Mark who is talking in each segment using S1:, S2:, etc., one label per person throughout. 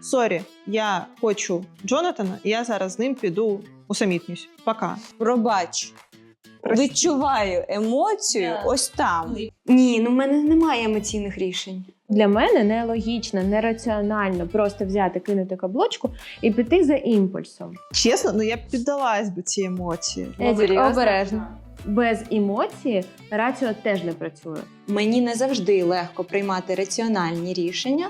S1: сорі, я хочу Джонатана, і я зараз з ним піду усамітнюсь. Пока.
S2: Пробач. Відчуваю емоцію ось там.
S3: Ні, ну в мене немає емоційних рішень.
S4: Для мене нелогічно, нераціонально просто взяти, кинути каблучку і піти за імпульсом.
S1: Чесно, ну я б піддалась би цій емоції.
S4: Едік,
S3: Серйозно?
S4: обережно. Без емоції раціо теж не працює.
S2: Мені не завжди легко приймати раціональні рішення.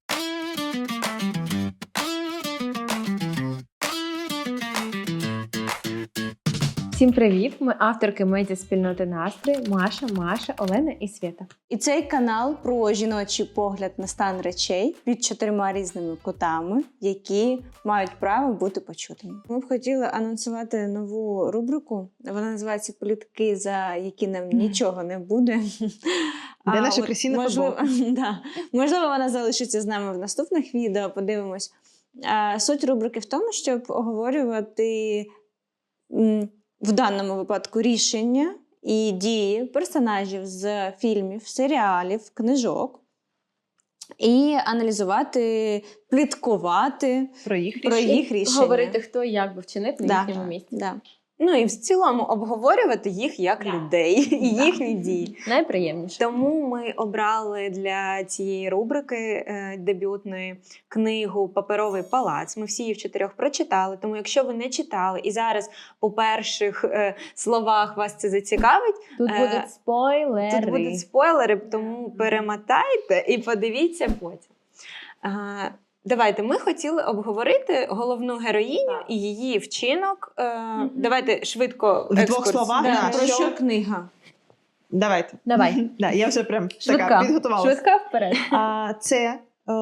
S4: Всім привіт! Ми авторки медіаспільноти «Настрій» Маша, Олена і Свята.
S2: І цей канал про жіночий погляд на стан речей під 4 різними кутами, які мають право бути почутими. Ми б хотіли анонсувати нову рубрику. Вона називається «Плітки, за які нам нічого не буде».
S1: Де наша красива
S2: можливо, да. Можливо, вона залишиться з нами в наступних відео, подивимось. Суть рубрики в тому, щоб оговорювати в даному випадку рішення і дії персонажів з фільмів, серіалів, книжок і аналізувати, пліткувати
S1: Про їх
S2: їх рішення.
S4: Говорити, хто і як би вчинив на їхньому місці.
S2: Да.
S3: Ну і в цілому обговорювати їх як людей і їхні дії.
S4: Найприємніше.
S3: Тому ми обрали для цієї рубрики дебютної книгу «Паперовий палац». Ми всі її в 4 прочитали, тому якщо ви не читали і зараз по перших словах вас це зацікавить,
S4: Тут будуть спойлери.
S3: тут будуть спойлери, тому перемотайте і подивіться потім. Давайте, ми хотіли обговорити головну героїню і її вчинок. Давайте швидко
S1: В 2
S3: екскурс.
S1: словах,
S2: Да,
S1: да,
S2: про що книга?
S1: Давайте.
S4: Давай.
S1: Да, я вже прям така
S4: Швидка.
S1: підготувалася.
S4: Швидка вперед.
S1: Це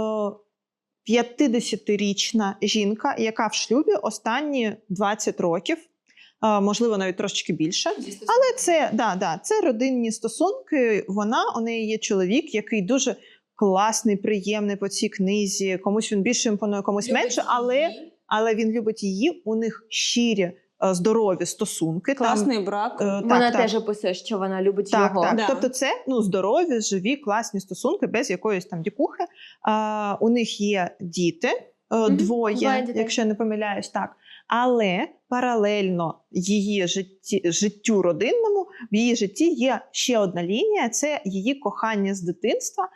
S1: 50-річна жінка, яка в шлюбі останні 20 років, можливо, навіть трошечки більше. Але це родинні стосунки. У неї є чоловік, який дуже класний, приємний по цій книзі. Комусь він більше імпонує, комусь менше, але він любить її. У них щирі, здорові стосунки.
S2: Класний брак.
S4: Вона теж описує, що вона любить його.
S1: Так.
S2: Да.
S1: Тобто це здорові, живі, класні стосунки, без якоїсь там дікухи. У них є діти, 2,
S4: дітей.
S1: якщо я не помиляюсь, так. Але паралельно її життю родинному, в її житті є ще одна лінія – це її кохання з дитинства,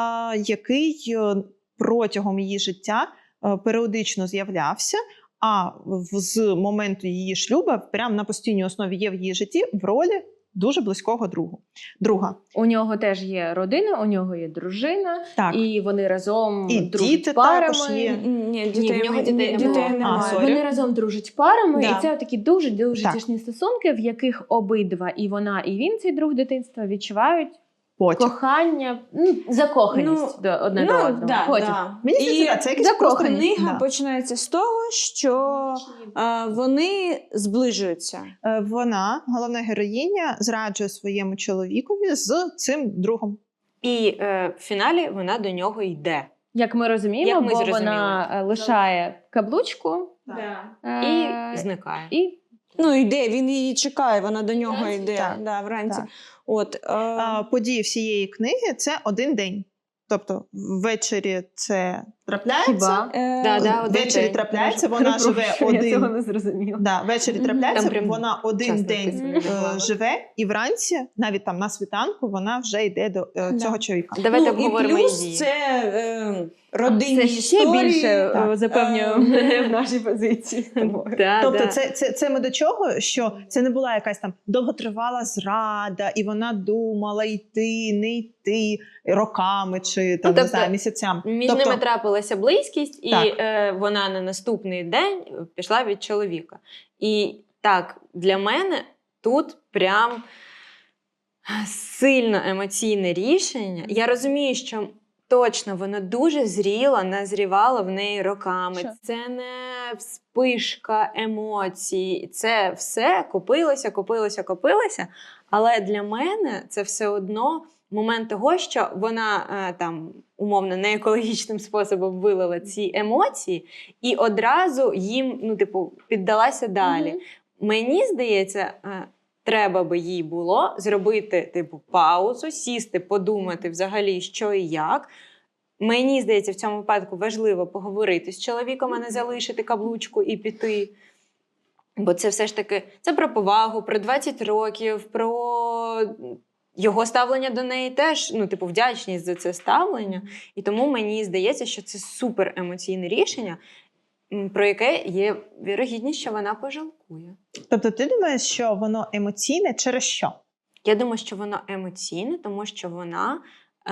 S1: який протягом її життя періодично з'являвся, а з моменту її шлюбу прямо на постійній основі є в її житті в ролі дуже близького друга.
S4: У нього теж є родина, у нього є дружина,
S1: Так.
S4: і вони разом
S1: І
S4: дружать
S1: діти
S4: парами.
S1: також є.
S2: Ні,
S3: в нього дітей
S2: немає.
S1: сорі.
S4: Вони разом дружать парами,
S2: Да.
S4: і це такі дуже
S1: Так.
S4: тісні стосунки, в яких обидва, і вона, і він, цей друг дитинства, відчувають
S1: Потім.
S4: кохання, закоханість до одне до одного.
S2: Да,
S4: Потім.
S2: да.
S1: Мені
S2: І
S1: здається, це якийсь просто...
S2: книга
S1: Да.
S2: починається з того, що вони зближуються.
S1: Вона, головна героїня, зраджує своєму чоловікові з цим другом.
S3: І в фіналі вона до нього йде.
S4: Як ми розуміємо,
S3: Як ми
S4: бо
S3: зрозуміли.
S4: вона лишає каблучку
S3: І зникає.
S4: і
S2: Ну, йде, він її чекає, вона до нього
S4: Вранці?
S2: йде.
S1: Так.
S2: Да, вранці.
S1: Так.
S2: От,
S1: Події всієї книги – це один день. Тобто ввечері це трапляється.
S4: хіба?
S3: Да, один
S1: Ввечері
S3: день.
S1: трапляється, вона живе
S4: Я цього
S1: один.
S4: не зрозуміла.
S1: Да, ввечері
S4: Мгм.
S1: трапляється,
S3: Там прям
S1: вона один
S3: часто
S1: день
S3: написано.
S1: живе, і вранці, навіть там на світанку, вона вже йде до цього чоловіка.
S3: Давайте
S2: ну, і
S3: обговоримо
S2: плюс
S3: її.
S2: це родинні
S4: Це ще
S2: історії.
S4: більше
S1: Так.
S4: запевнює мене в нашій позиції.
S1: Тобто це ми до чого, що це не була якась там довготривала зрада, і вона думала йти, не йти роками чи там,
S3: тобто,
S1: не знаю, місяцями.
S3: Між
S1: Тобто,
S3: ними трапилася близькість, і
S1: Так.
S3: вона на наступний день пішла від чоловіка. І так, для мене тут прям сильно емоційне рішення. Я розумію, що точно воно дуже зріло, назрівало в неї роками.
S4: Що?
S3: Це не вспишка емоцій. Це все копилося. Але для мене це все одно момент того, що вона там умовно неекологічним способом вилила ці емоції і одразу їм, піддалася далі. Мені здається, треба би їй було зробити паузу, сісти, подумати взагалі, що і як, Мені здається, в цьому випадку важливо поговорити з чоловіком, а не залишити каблучку і піти. Бо це все ж таки це про повагу, про 20 років, про його ставлення до неї теж, вдячність за це ставлення. І тому мені здається, що це супер емоційне рішення, про яке є вірогідність, що вона пожалкує.
S1: Тобто ти думаєш, що воно емоційне через що?
S3: Я думаю, що воно емоційне, тому що вона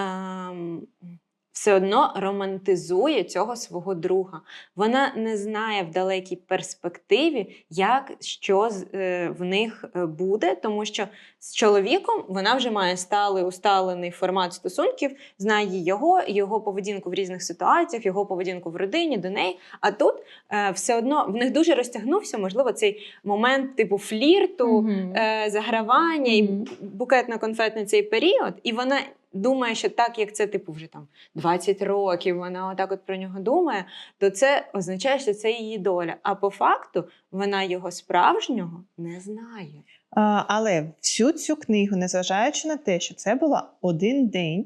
S3: все одно романтизує цього свого друга. Вона не знає в далекій перспективі, що в них буде, тому що з чоловіком вона вже має усталений формат стосунків, знає його поведінку в різних ситуаціях, його поведінку в родині, до неї. А тут все одно в них дуже розтягнувся, можливо, цей момент типу флірту, загравання і букетно-конфетний цей період. І вона думає, що так, як це вже 20 років, вона отак от про нього думає, то це означає, що це її доля. А по факту вона його справжнього не знає.
S1: Але всю цю книгу, незважаючи на те, що це було один день,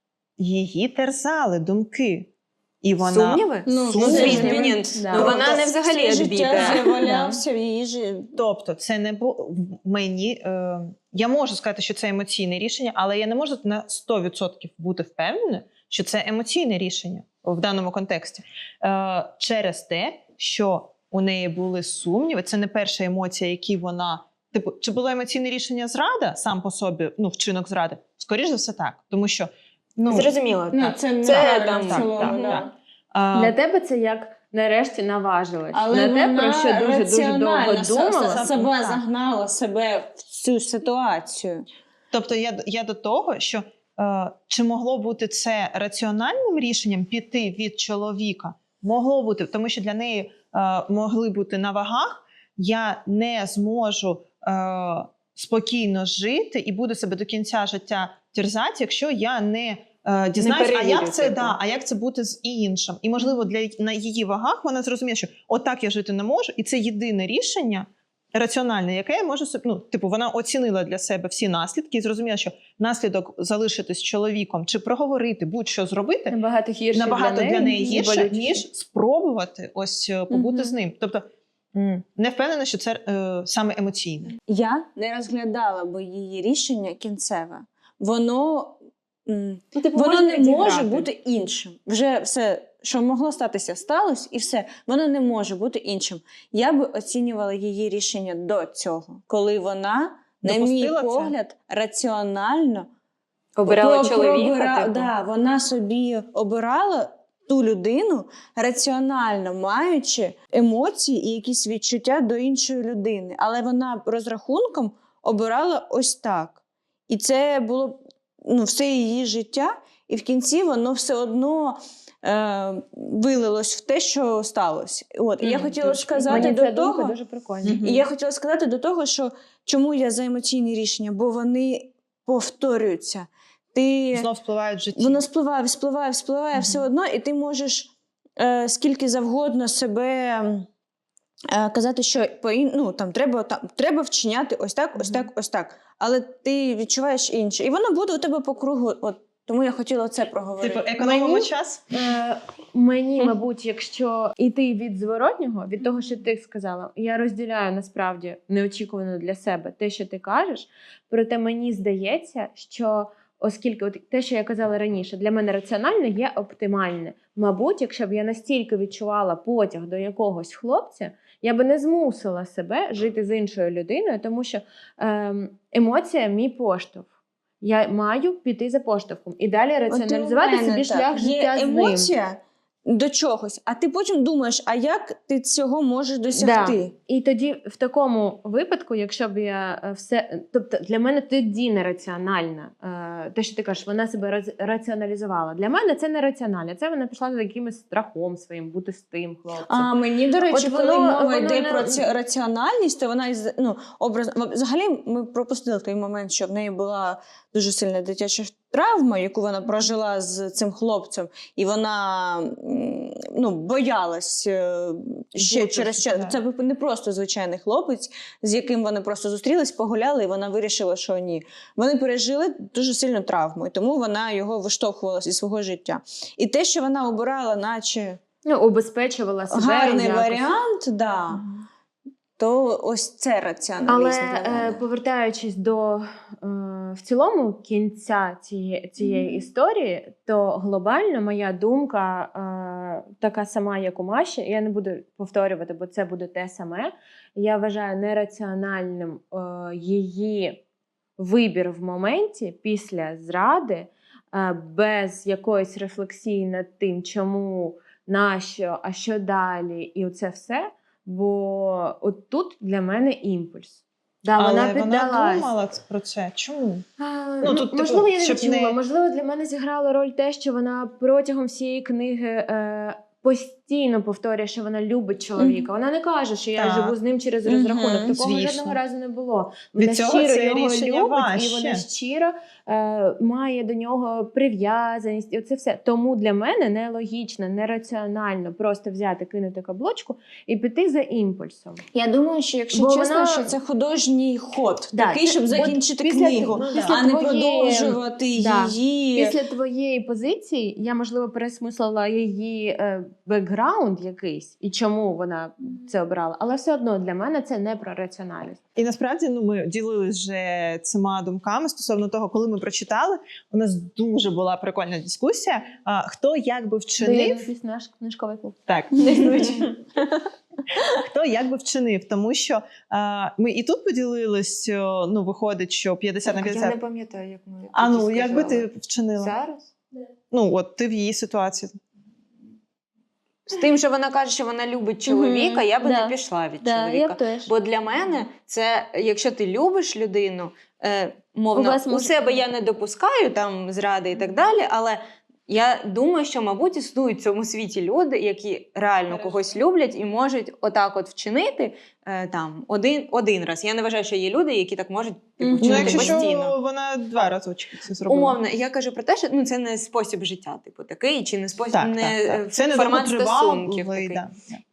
S1: її терзали думки. І вона...
S3: Сумніви?
S1: Сумніви.
S3: Ні. Вона не взагалі
S2: життя валявся в її житті.
S1: Тобто, це не було мені. Я можу сказати, що це емоційне рішення, але я не можу на 100% бути впевнена, що це емоційне рішення в даному контексті. Через те, що у неї були сумніви, це не перша емоція, які вона... чи було емоційне рішення зрада сам по собі, вчинок зради? Скоріше за все так. Тому що...
S3: Зрозуміло.
S2: Це там
S1: так.
S4: Для тебе це як нарешті наважилась.
S2: Але
S4: на те, про що дуже довго думала.
S2: Себе загнала себе в цю ситуацію.
S1: Тобто я до того, що чи могло бути це раціональним рішенням піти від чоловіка? Могло бути, тому що для неї могли бути на вагах, я не зможу спокійно жити і буду себе до кінця життя терзати, якщо я не дізнаюсь, а як це бути з іншим. І, можливо, на її вагах вона зрозуміє, що отак я жити не можу, і це єдине рішення раціональне, яке я можу собі, вона оцінила для себе всі наслідки і зрозуміла, що наслідок залишитись з чоловіком чи проговорити, будь-що зробити, набагато для неї гірше, ніж спробувати ось побути з ним. Тобто, не впевнена, що це саме емоційне.
S2: Я не розглядала би її рішення кінцеве. Воно не може бути іншим. Вже все, що могло статися, сталося, і все. Воно не може бути іншим. Я би оцінювала її рішення до цього, коли вона, на мій погляд, раціонально
S3: обирала чоловіка.
S2: Да, вона собі обирала ту людину, раціонально маючи емоції і якісь відчуття до іншої людини. Але вона розрахунком обирала ось так. І це було все її життя, і в кінці воно все одно вилилось в те, що сталося. І я хотіла сказати до того,
S4: дуже прикольно.
S2: І я хотіла сказати до того, що чому я за емоційні рішення, бо вони повторюються.
S1: Знов спливають в житті.
S2: Воно спливає все одно, і ти можеш скільки завгодно себе казати, що треба вчиняти ось так, ось так, ось так. Але ти відчуваєш інше. І воно буде у тебе по кругу. Тому я хотіла це проговорити.
S1: Економимо час?
S4: Мені, мабуть, якщо йти від зворотнього, від того, що ти сказала, я розділяю насправді неочікувано для себе те, що ти кажеш, проте мені здається, що оскільки те, що я казала раніше, для мене раціональне є оптимальне. Мабуть, якщо б я настільки відчувала потяг до якогось хлопця, я би не змусила себе жити з іншою людиною, тому що емоція – мій поштовх. Я маю піти за поштовхом і далі раціоналізувати собі шлях життя з ним.
S2: Є емоція до чогось, а ти потім думаєш, а як ти цього можеш досягти?
S4: Да. І тоді в такому випадку, якщо б я все... Тобто для мене тоді нераціональна. Те, що ти кажеш, вона себе раціоналізувала. Для мене це нераціонально. Це вона пішла за якимось страхом своїм, бути з тим хлопцем.
S2: А мені, до речі, коли мова йде про раціональність, то вона взагалі ми пропустили той момент, що в неї була дуже сильна дитяча травма, яку вона прожила з цим хлопцем, і вона боялась ще
S1: Бути,
S2: через час.
S1: да.
S2: Це не просто звичайний хлопець, з яким вони просто зустрілись, погуляли, і вона вирішила, що ні. Вони пережили дуже сильну травму, і тому вона його виштовхувала зі свого життя. І те, що вона обирала, наче
S4: Убезпечувала себе.
S2: гарний
S4: якось.
S2: варіант, да, то ось це раціоналізм для
S4: Але
S2: мене.
S4: повертаючись до в цілому кінця цієї історії, то глобально моя думка така сама, як у Маші. Я не буду повторювати, бо це буде те саме. Я вважаю нераціональним її вибір в моменті після зради, без якоїсь рефлексії над тим, чому, нащо, а що далі, і оце все. Бо от тут для мене імпульс. Да,
S1: Але
S4: вона
S1: вона
S4: піддалась.
S1: думала про це. Чому?
S4: Тут, можливо, я не чула. Можливо, для мене зіграла роль те, що вона протягом всієї книги постійно повторює, що вона любить чоловіка. Вона не каже, що я
S1: Так.
S4: живу з ним через розрахунок. Такого
S1: звісно.
S4: жодного разу не було.
S1: Від
S4: Вона
S1: цього
S4: щиро
S1: це
S4: його
S1: рішення
S4: любить,
S1: важче.
S4: і вона щиро має до нього прив'язаність. І оце все. Тому для мене нелогічно, нераціонально просто взяти, кинути каблучку і піти за імпульсом.
S2: Я думаю, що якщо
S4: Бо
S2: чесно,
S4: вона-
S2: що це художній ход,
S4: Да,
S2: такий,
S4: це-
S2: щоб
S4: от
S2: закінчити
S4: після-
S2: книгу,
S4: після
S2: а не
S4: твоєї-
S2: продовжувати
S4: Да.
S2: її.
S4: Після твоєї позиції я, можливо, пересмислила її бекграунд якийсь і чому вона це обрала, але все одно для мене це не про раціональність.
S1: І насправді ми ділилися вже цими думками стосовно того, коли ми прочитали. У нас дуже була прикольна дискусія. Хто як би вчинив,
S4: Якийсь наш книжковий клуб.
S1: так хто як би вчинив, тому що ми і тут поділились. Виходить, що 50 на
S3: Я не
S1: 50.
S3: пам'ятаю, як ми
S1: А
S3: тоді
S1: як би
S3: сказали.
S1: ти вчинила?
S3: Зараз?
S1: От ти в її ситуації.
S3: З тим, що вона каже, що вона любить чоловіка, я би
S4: Да.
S3: не пішла від
S4: Я
S3: чоловіка.
S4: теж.
S3: Бо для мене це, якщо ти любиш людину,
S4: У
S3: мовно,
S4: вас
S3: у
S4: може-
S3: себе я не допускаю там зради і так далі, але я думаю, що, мабуть, існують в цьому світі люди, які реально когось люблять і можуть отак от вчинити там один раз. Я не вважаю, що є люди, які так можуть вчинити
S1: Якщо
S3: постійно.
S1: що, вона 2 разочки це зробила.
S3: Умовно, я кажу про те, що це не спосіб життя, такий, чи не спосіб,
S1: Так. Це не
S3: формат
S1: довготривалий,
S3: стосунків такий.
S1: да.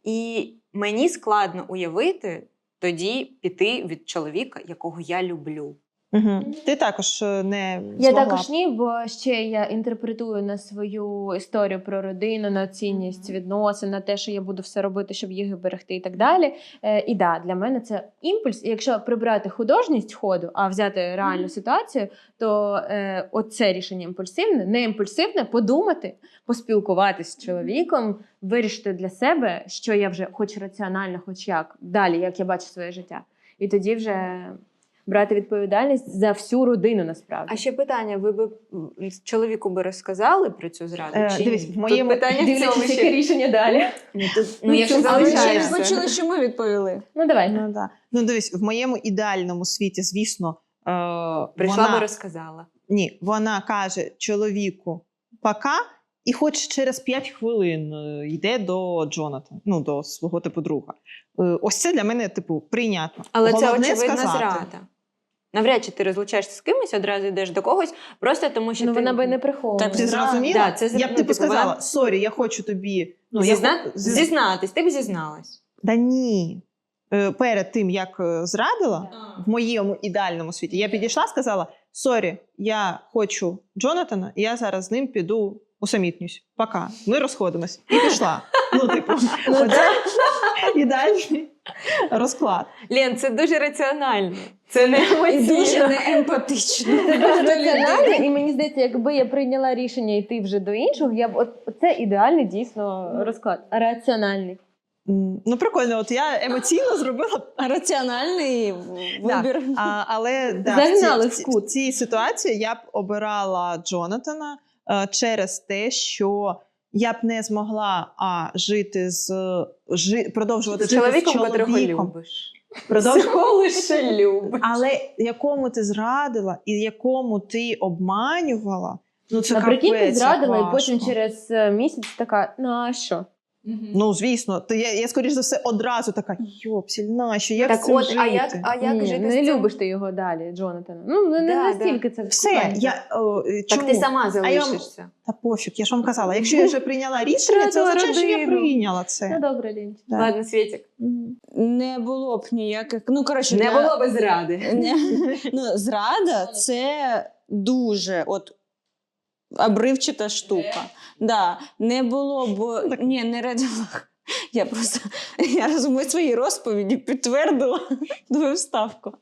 S3: І мені складно уявити тоді піти від чоловіка, якого я люблю.
S1: Угу. Ти також не
S4: Я
S1: змогла.
S4: також ні, бо ще я інтерпретую на свою історію про родину, на цінність відносин, на те, що я буду все робити, щоб їх берегти і так далі. І да, для мене це імпульс. І якщо прибрати художність ходу, а взяти реальну ситуацію, то оце рішення імпульсивне, не імпульсивне, подумати, поспілкуватися з чоловіком, вирішити для себе, що я вже хоч раціонально, хоч як, далі, як я бачу своє життя. І тоді вже брати відповідальність за всю родину, насправді.
S3: А ще питання: ви б чоловіку би розказали про цю зраду? Чи
S1: дивись,
S3: ні?
S1: в моєму-
S3: Тут питання в цьому
S4: Дивлячись, яке
S3: ще.
S4: рішення далі.
S3: Я ще
S2: Але ви
S3: залишаюся.
S2: почули, що ми відповіли.
S4: Ну, давай.
S1: Дивись, в моєму ідеальному світі, звісно,
S3: Прийшла
S1: вона...
S3: би розказала.
S1: Ні, вона каже чоловіку «пока», і хоч через 5 хвилин йде до Джонатана, до свого друга. Ось це для мене, прийнятно.
S3: Але
S1: Головне
S3: це очевидна
S1: сказати.
S3: зрада. Навряд чи ти розлучаєшся з кимось, одразу йдеш до когось, просто тому що
S4: Ну,
S3: ти...
S4: вона би не приховувала.
S1: Ти зрозуміла?
S3: Да, це
S1: я б
S3: вона-
S1: сказала, сорі, я хочу тобі...
S3: Зізнатись, ти б зізналась.
S1: Да ні. Перед тим, як зрадила, в моєму ідеальному світі, я підійшла, сказала, сорі, я хочу Джонатана, і я зараз з ним піду усамітнюсь. Пока. Ми розходимось. І пішла. Оце ідеальний розклад.
S3: Лен, це дуже раціонально. Це не
S2: І
S3: емоційно.
S2: дуже неемпатично.
S4: Це дуже раціонально, і мені здається, якби я прийняла рішення йти вже до іншого, я б це ідеальний дійсно розклад. Раціональний.
S1: Прикольно, от я емоційно зробила.
S2: Раціональний вибір.
S1: Але
S4: Загнали в
S1: в
S4: кут.
S1: цій ситуації я б обирала Джонатана через те, що я б не змогла жити продовжувати
S3: З
S1: жити
S3: чоловіком,
S1: з
S3: котрого
S1: чоловіком.
S3: любиш.
S1: Продовжувати
S3: лише любиш.
S1: Але якому ти зрадила і якому ти обманювала, це
S4: Наприкінці
S1: капець,
S4: зрадила,
S1: як
S4: і потім
S1: важко.
S4: через місяць така, ну а що?
S1: Ну, звісно, то я скоріш за все, одразу така, йопсіль, нащо, як
S3: Так
S1: з цим
S3: от,
S1: жити?
S3: а як
S4: Ні,
S3: жити
S4: не
S3: з цим?
S4: любиш ти його далі, Джонатана. Ну, не
S3: Да,
S4: настільки це
S1: Все,
S4: кохання.
S3: Так
S1: чому?
S3: ти сама
S1: А я вам-
S3: залишишся.
S1: Та пофіг, я ж вам казала, якщо я вже прийняла рішення, це
S3: Втратила
S1: означає, що я
S3: родину.
S1: прийняла
S4: Ну,
S1: це.
S4: добре, Лінч.
S1: Да.
S3: Ладно, Світік.
S2: Не було б ніяких. Ну, коротше,
S3: Не було би зради.
S2: Ну, зрада це дуже обривчата штука. Да, не було б. Ні, не радила. Я розумію свої розповіді, підтвердила твою вставку.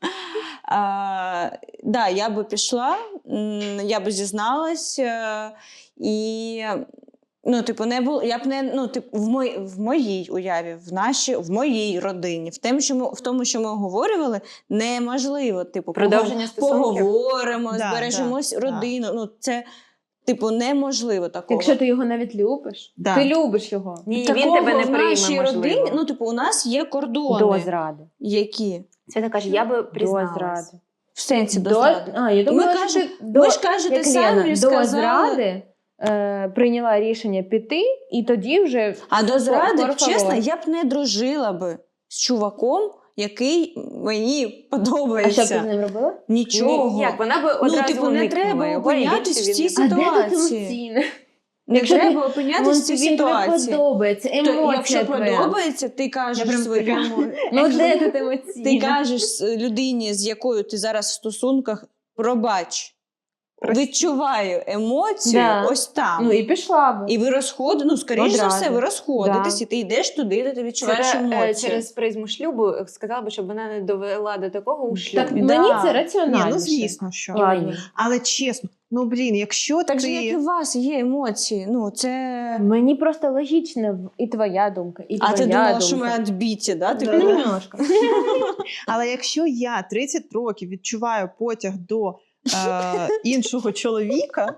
S2: Да, я би пішла, я би зізналась, і ну, типу, не було, я б не, ну, типу, в моїй уяві, в моїй родині, в тому, що ми оговорювали, неможливо, типу,
S3: Продовження стосунків?
S2: поговоримо,
S1: Да,
S2: збережемось
S1: да,
S2: родину. Ну, це, типу, неможливо такого.
S4: Якщо ти його навіть любиш,
S1: Да.
S4: ти любиш його.
S3: Ні,
S2: Такого
S3: він тебе не
S2: в
S3: прийме,
S2: нашій
S3: можливо.
S2: родині, ну, типу, у нас є кордони.
S4: До зради.
S2: Які?
S3: Свята каже, я би
S4: До
S3: призналась.
S4: зради.
S2: В сенсі до зради.
S4: Я думала, що ти
S2: Ви ж кажете
S4: як
S2: самі,
S4: Лена, до
S2: сказали.
S4: зради прийняла рішення піти, і тоді вже
S2: А до зради,
S4: Por favor.
S2: чесно, я б не дружила би з чуваком, який мені подобається.
S4: А що б ти з ним робила?
S2: Нічого.
S3: Ні, як вона би одразу
S2: Ну, типу, не
S3: уникнула
S2: треба
S3: його, і
S2: опинятись
S3: більше
S2: в цій
S3: він не-
S2: ситуації.
S4: емоційне?
S2: Не
S4: Якщо
S2: треба
S4: ти-
S2: опинятись в цій
S4: Він тобі
S2: ситуації.
S4: подобається,
S2: То,
S4: емоція
S2: якщо
S4: твоя.
S2: подобається, ти кажеш
S4: Я прям
S2: свою
S4: така,
S2: емоцію.
S4: Ну де тут емоційне?
S2: Ти кажеш людині, з якою ти зараз в стосунках, пробач, відчуваю емоцію
S4: Да.
S2: ось там.
S4: Ну і пішла б.
S2: І ви скоріш за
S4: Одразу.
S2: все, ви розходитесь,
S4: Да.
S2: і ти йдеш туди, де ти відчуваєш
S3: Це
S2: емоції.
S3: через призму шлюбу сказала би, щоб вона не довела до такого у шлюбі.
S4: Так
S2: Да.
S4: мені це
S1: Ні,
S4: раціональніше.
S1: ну звісно, що.
S4: Ладно.
S1: Але чесно, ну блін, якщо
S2: Так же, як і
S1: ти...
S2: у вас є емоції. Ну, це...
S4: Мені просто логічно і твоя думка, і твоя
S2: А ти думала,
S4: думка.
S2: що ми відбиті, да? Ти
S1: Да.
S2: думала?
S4: Немножко.
S1: Але якщо я 30 років відчуваю потяг до іншого чоловіка,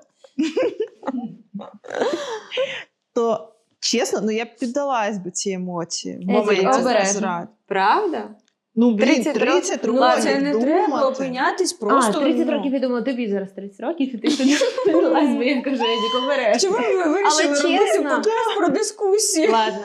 S1: то чесно, ну я б піддалась би цій емоції в моменті
S4: обережно.
S1: зради.
S3: Правда?
S1: Ну, блін,
S3: 30
S1: 30
S3: років.
S1: років
S2: Це не треба
S1: думати.
S2: опинятись просто.
S4: 30
S2: ну.
S4: років, я думала, тобі зараз 30 років, і ти сюди підлазь, бо я кажу, Едік, обережно.
S2: Чому ви вирішили
S3: Але
S2: робити
S3: чесно.
S2: подкаст про дискусію?
S3: Ладно.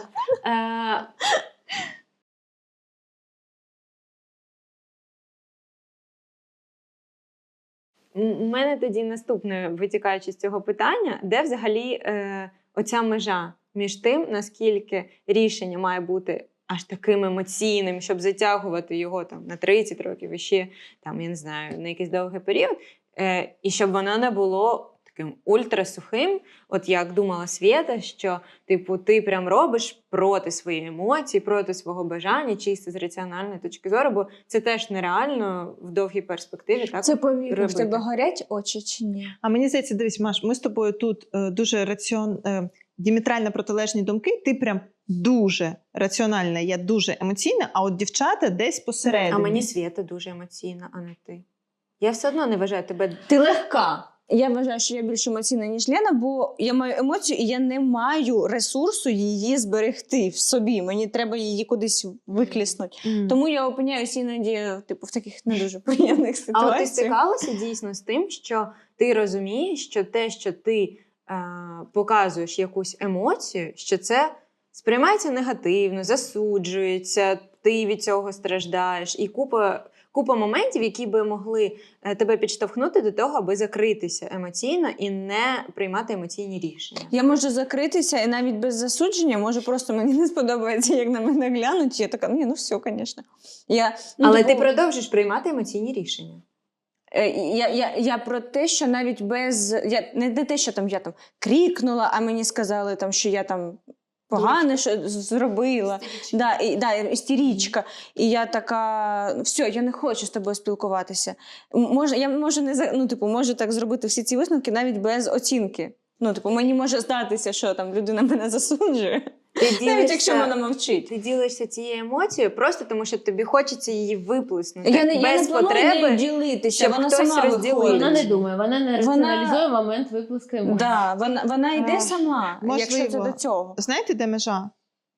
S3: У мене тоді наступне, витікаючи з цього питання, де взагалі оця межа між тим, наскільки рішення має бути аж таким емоційним, щоб затягувати його там на 30 років і ще там, я не знаю, на якийсь довгий період, і щоб воно не було таким ультрасухим, от як думала Свєта, що типу ти прям робиш проти своєї емоції, проти свого бажання, чисто з раціональної точки зору, бо це теж нереально в довгій перспективі. Так
S2: Це повірно, в
S3: робити.
S2: тебе горять очі чи ні?
S1: А мені здається, дивись, Маш, ми з тобою тут дуже діаметрально протилежні думки. Ти прям дуже раціональна, я дуже емоційна, а от дівчата десь посередині.
S3: А мені Свєта дуже емоційна, а не ти. Я все одно не вважаю тебе.
S2: Ти легка. Я вважаю, що я більш емоційна, ніж Лена, бо я маю емоцію, і я не маю ресурсу її зберегти в собі. Мені треба її кудись викліснути. Тому я опиняюся іноді типу, в таких не дуже приємних
S3: А от ти
S2: ситуаціях.
S3: стикалася дійсно з тим, що ти розумієш, що те, що ти показуєш якусь емоцію, що це сприймається негативно, засуджується, ти від цього страждаєш. І купа моментів, які би могли тебе підштовхнути до того, аби закритися емоційно і не приймати емоційні рішення.
S2: Я можу закритися і навіть без засудження, може просто мені не сподобається, як на мене глянуть. Я така, ні, ну все, звісно.
S3: Але ти продовжиш приймати емоційні рішення.
S2: Я про те, що навіть без... не те, що там я там крикнула, а мені сказали, там, що я там погане що зробила. Істерічка. І я така, все, я не хочу з тобою спілкуватися. Я можу можу так зробити всі ці висновки навіть без оцінки. Мені може здатися, що там людина мене засуджує. Навіть якщо вона мовчить.
S3: Ти ділишся цією емоцією просто тому, що тобі хочеться її виплеснути.
S2: Я не
S3: без
S2: планую
S3: потреби
S2: нею ділитися,
S3: щоб
S2: вона
S3: хтось
S2: сама
S3: розділив.
S2: виходить.
S4: Вона не думає, вона не раціоналізує момент виплеску емоцій.
S2: Да, вона йде сама,
S1: Можливо.
S2: якщо це до цього.
S1: Знаєте, де межа?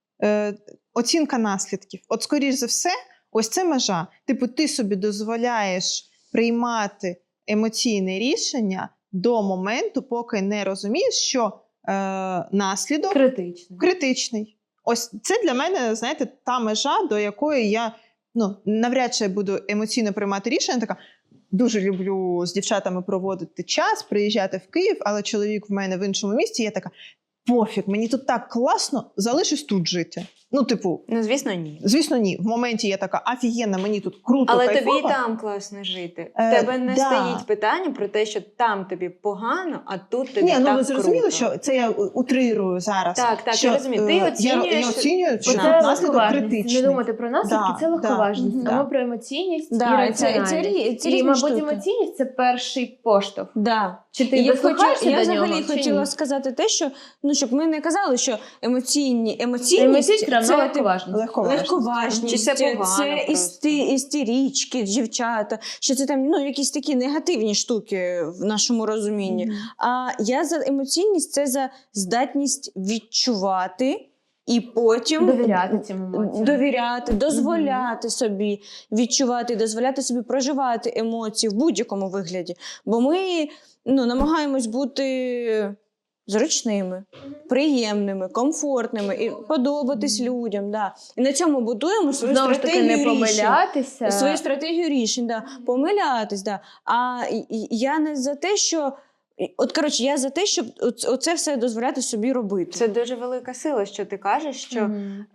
S1: Оцінка наслідків. От, скоріш за все, ось це межа. Типу, ти собі дозволяєш приймати емоційне рішення до моменту, поки не розумієш, що наслідок
S4: Критично.
S1: критичний. ось це для мене, знаєте, та межа, до якої я навряд чи буду емоційно приймати рішення. Така, дуже люблю з дівчатами проводити час, приїжджати в Київ, але чоловік в мене в іншому місті, я така, пофіг, мені тут так класно, залишусь тут жити. Ну, типу,
S3: Звісно, ні.
S1: звісно, ні. В моменті я така, офігенна, мені тут круто,
S3: Але
S1: кайфово.
S3: тобі і там класно жити. В тебе не стоїть питання про те, що там тобі погано, а тут тобі так
S1: Ні, ви зрозуміли,
S3: круто.
S1: що це я утрирую зараз.
S3: Так,
S1: що,
S3: я розумію. Ти оцінюєш...
S1: Я оцінюю, що
S4: Це
S1: наслідок
S4: легковажність.
S1: критичний.
S4: Не думати про наслідки,
S1: Да,
S4: це легковажність.
S1: да,
S4: А
S1: да.
S4: ми про емоційність і
S2: Да,
S4: раціональність.
S2: це
S4: І,
S2: різні
S4: мабуть,
S2: штуки.
S4: емоційність – це перший поштовх.
S2: Да.
S4: Чи ти
S2: Я
S4: дослухаєшся до
S2: взагалі
S4: нього, чи
S2: хотіла
S4: ні?
S2: сказати те, що щоб ми не казали, що емоційність
S4: Емоційність равно
S2: це
S4: легковажність.
S2: легковажність,
S3: Чи це погано просто?
S2: істерічки, дівчата, що це там якісь такі негативні штуки в нашому розумінні. А я за емоційність це за здатність відчувати і потім
S4: Довіряти цим емоціям.
S2: довіряти, дозволяти собі відчувати, дозволяти собі проживати емоції в будь-якому вигляді. Бо ми намагаємось бути зручними, приємними, комфортними і подобатись людям. Да. І на цьому будуємо свою
S4: Знову ж таки,
S2: стратегію
S4: не
S2: рішень.
S4: помилятися.
S2: Свою стратегію рішень, да. Помилятись. Да. А я не за те, що... я за те, щоб оце все дозволяти собі робити.
S3: Це дуже велика сила, що ти кажеш, що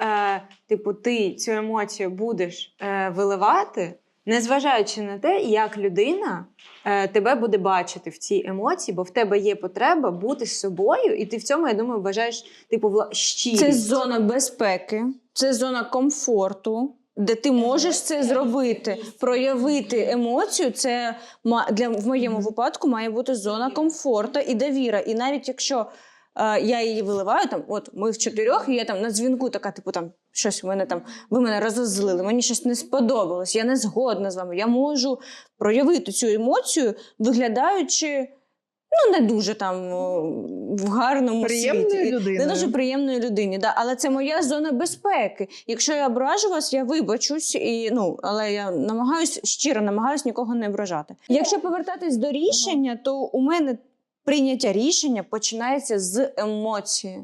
S3: ти цю емоцію будеш виливати, незважаючи на те, як людина тебе буде бачити в цій емоції, бо в тебе є потреба бути з собою, і ти в цьому, я думаю, вважаєш щирість.
S2: Це зона безпеки, це зона комфорту, де ти можеш це зробити, проявити емоцію. Це в моєму випадку має бути зона комфорту і довіра. І навіть якщо я її виливаю, ми в 4, і я на дзвінку така, щось в мене ви мене розозлили, мені щось не сподобалось, я не згодна з вами. Я можу проявити цю емоцію, виглядаючи не дуже в гарному
S1: Приємною
S2: світі.
S1: людиною.
S2: Не дуже приємної людині, да. Але це моя зона безпеки. Якщо я ображу вас, я вибачусь, але я щиро намагаюсь нікого не ображати. Якщо повертатись до рішення, то у мене прийняття рішення починається з емоції.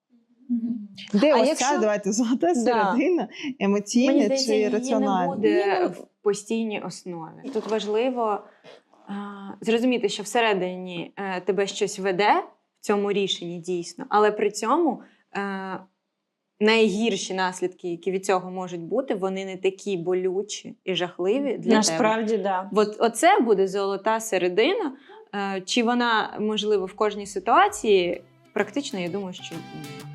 S1: Де
S2: А
S1: ось
S2: якщо-
S1: ця, давайте, золота
S2: Да.
S1: середина, емоційна
S3: Мені здається,
S1: чи
S3: її не
S1: раціональна?
S3: буде в постійній основі. Тут важливо зрозуміти, що всередині тебе щось веде в цьому рішенні дійсно, але при цьому найгірші наслідки, які від цього можуть бути, вони не такі болючі і жахливі для
S2: Насправді,
S3: тебе.
S2: да.
S3: Оце буде золота середина. Чи вона, можливо, в кожній ситуації? Практично, я думаю, що ні.